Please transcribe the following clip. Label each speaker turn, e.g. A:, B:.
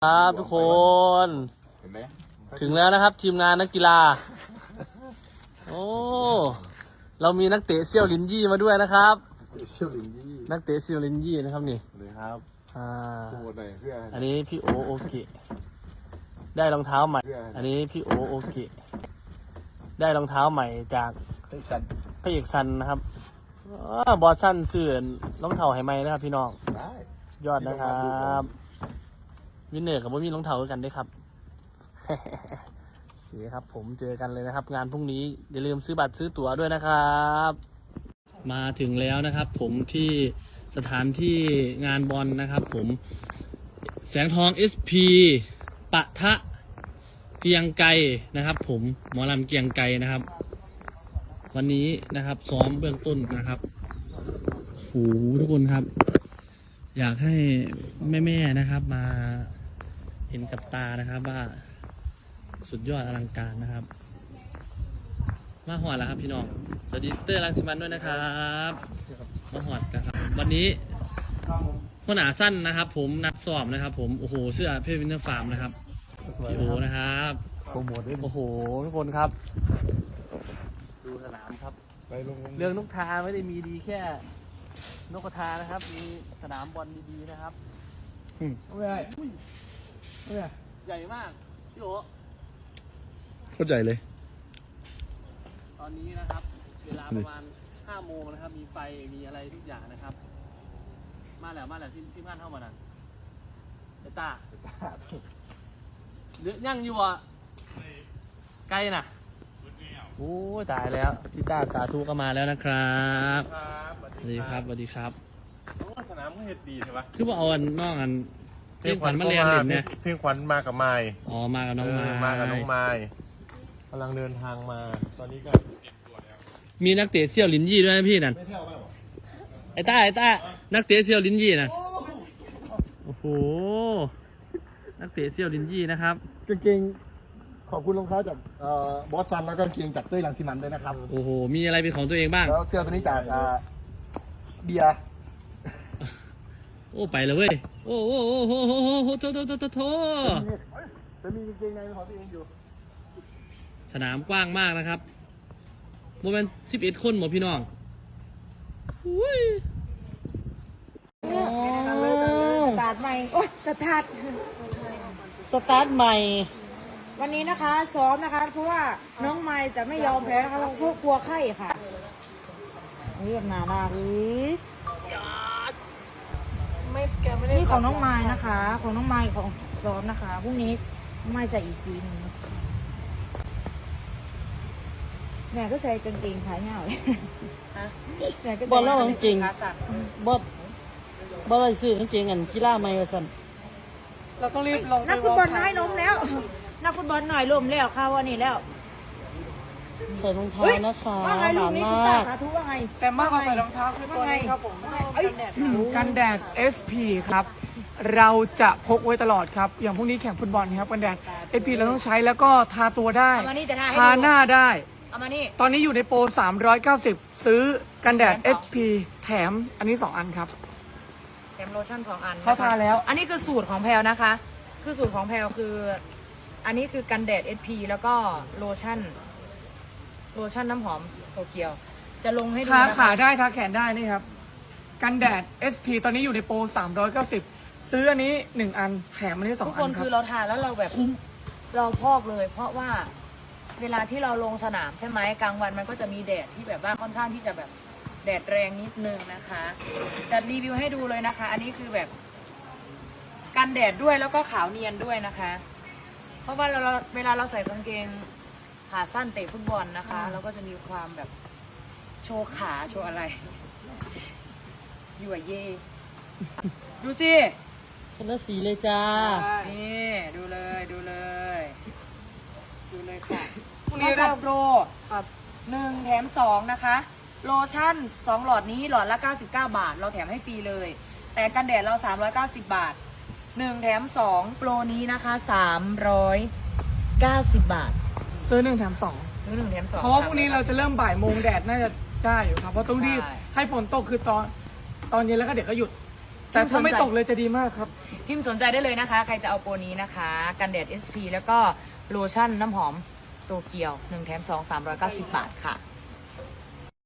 A: ครับทุกคน
B: เห็นไหม
A: ถึงแล้วนะครับทีมงานนักกีฬาโอ้เรามีนักเตะเซี่ยวลินยี่มาด้วยนะครับ
B: เชี่ยวลิงยี่
A: นักเตะเซี่ยวลินยี่นะครับนี่
B: เลยครับโอ้ไหนเสื้อ
A: อันนี้พี่โอเคได้รองเท้าใหม่อันนี้พี่โอเคได้รองเท้าใหม่จากพระเอกซันนะครับบอสซันเสื่อนรองเท้าให้ไหมนะครับพี่น้อง
B: ได้
A: ยอดนะครับวินเนอร์กับว่ามีรองเท้ากันด้วยครับโอเคครับผมเจอกันเลยนะครับงานพรุ่งนี้อย่าลืมซื้อบัตรซื้อตั๋วด้วยนะครับมาถึงแล้วนะครับผมที่สถานที่งานบอลนะครับผมแสงทอง SP ปะทะเกียงไกรนะครับผมหมอลำเกียงไกรนะครับวันนี้นะครับซ้อมเบื้องต้นนะครับโหทุกคนครับอยากให้แม่ๆนะครับมาเห็นกับตานะครับว่าสุดยอดอลังการนะครับมาหอดแล้วครับพี่น้องสวัสดีเต้ยรังสิมันด้วยนะครับมาหอดนะครับวันนี้หัวหน้าสั้นนะครับผมนัดสอบนะครับผมโอ้โหเสื้อเพชรวินเทอร์ฟาร์มนะครับพี่โอนะครับโปรโมทด้วยโอ้โหทุกคนครับดูสนามครับเรื่องนกทาไม่ได้มีดีแค่นกกระทานะครับมีสนามบอลดีๆนะครับไม่ได้ใหญ่มากพี่โอ
B: โคตรใหญ่เลย
A: ตอนนี้นะครับเวลาประมาณ5 โมงนะครับมีไฟมีอะไรทุกอย่างนะครับมาแล้วที่บ้านเข้ามานั่นไอ้ตาเดือดยั่งอยู่อ่ะไกลน่ะโอ้ตายแล้วพี่ตาสาธุก็มาแล้วนะครับสวัสดีครับสวัสดีครับ
B: สนามก็เห็ดดีใช่ปะ
A: คือว่าเอานอกอันเพลงขวัญมาเรียนเล่นเนี่ย
B: เพลงขวัญมากับไม้
A: อ๋อมากับน้องไม้
B: มากับน้องไม้กำลังเดินทางมาตอนนี้ก็
A: มีนักเตะเซี่ยวลินยี่ด้วยนะพี่นั่นไอ้ต้านักเตะเซี่ยวลินยี่นะโอ้โหนักเตะเซี่ยวลินยี่นะครับ
B: กางเกงขอบคุณรองเท้าจากบอสซันแล้วก็กางเกงจากเต้ยรังสิมันด้วยนะครับ
A: โอ้โหมีอะไรเป็นของตัวเองบ้าง
B: แล้วเสื้อตัวนี้จากเบียร์
A: โอ้ไปเลยเว้ยโอ้โถ
B: จะมีกางเกงในเป็นของตัวเองอยู่
A: สนามกว้างมากนะครับโมเมนต์11 คนหมดพี่น้อง
C: สตาร์ทใหม่โอ้สตาร์ท
A: ใหม่
C: วันนี้นะคะซ้อมนะคะเพราะว่าน้องไม้จะไม่ยอมแพ้นะคะเพราะกลัวไข้ค่ะนี่แบบนานานี่ของน้องไม้นะคะของน้องไม้ของซ้อมนะคะพรุ่งนี้น้องไม้ใส่อีกสีนึงแม่ก็ใส่กางเกงขายาวเลย
A: บอลเล่าจริงบอลอะไรซื้อกางเกงกันกีฬาไม่กระสัน
C: เราต้องรีบลงนักฟุตบอลน้อยล้มแล้วนักฟุตบอลหน่อยล้มแล้วค่ะวันนี้แล้ว
A: ใส่รองเท้านะคะ
C: ว่าไงลูกนี่คุณตาสาธุว่าไง
D: แต่มากกว่าใส่รองเท้าคือตัวนี้ครับผมกันแดด SP ครับเราจะพกไว้ตลอดครับอย่างพวกนี้แข่งฟุตบอลครับกันแดด SP เราต้องใช้แล้วก็ทาตัวได้ทาหน้าได้ตอนนี้อยู่ในโปร390ซื้อกันแดด SP แถมอันนี้2 อันครับ
C: แถมโลชั่น2 อัน
D: เขาทาแล้ว
C: อันนี้คือสูตรของแพลนะคะคือสูตรของแพลคืออันนี้คือกันแดด SP แล้วก็โลชั่นน้ำหอมโตเกียวจะลงให้ดู
D: ทาขาได้ทาแขนได้นี่ครับกันแดด SP ตอนนี้อยู่ในโปร390ซื้ออันนี้1 อันแถมอันนี้2 อันครับ
C: ทุกคนคือเราทาแล้วเราแบบเราพอกเลยเพราะว่าเวลาที่เราลงสนามใช่ไหมกลางวันมันก็จะมีแดดที่แบบว่าค่อนข้างที่จะแบบแดดแรงนิดนึงนะคะจะรีวิวให้ดูเลยนะคะอันนี้คือแบบกันแดดด้วยแล้วก็ขาวเนียนด้วยนะคะเพราะว่าเวลาเราใส่กางเกงขาสั้นเตะฟุตบอลนะคะเราก็จะมีความแบบโชว์ขาโชว์อะไรอยู่เย่ดูสิ
A: คนละสีเลยจ้า
C: นี่ดูเลยค่ะพรุ่งนี้จัดโปร1 แถม 2นะคะโลชั่น2 หลอดนี้หลอดละ99 บาทเราแถมให้ฟรีเลยแต่กันแดดเรา390 บาท1 แถม 2โปรนี้นะคะ390 บาท
D: ซื้อ1 แถม 2
C: ซื้อ1 แถม 2
D: เพราะว่าพรุ่งนี้เราจะเริ่มบ่ายโมงแดดน่าจะจ้าอยู่ครับเพราะต้องรีบให้ฝนตกคือตอนเย็นแล้วก็เดี๋ยวก็หยุดแต่ถ้าไม่ตกเลยจะดีมากครับ
C: พิมพ์สนใจได้เลยนะคะ ใครจะเอาโปรนี้นะคะ กันแดด SP แล้วก็โลชั่นน้ำหอมโตเกียว1 แถม 2 390 บาทค่ะ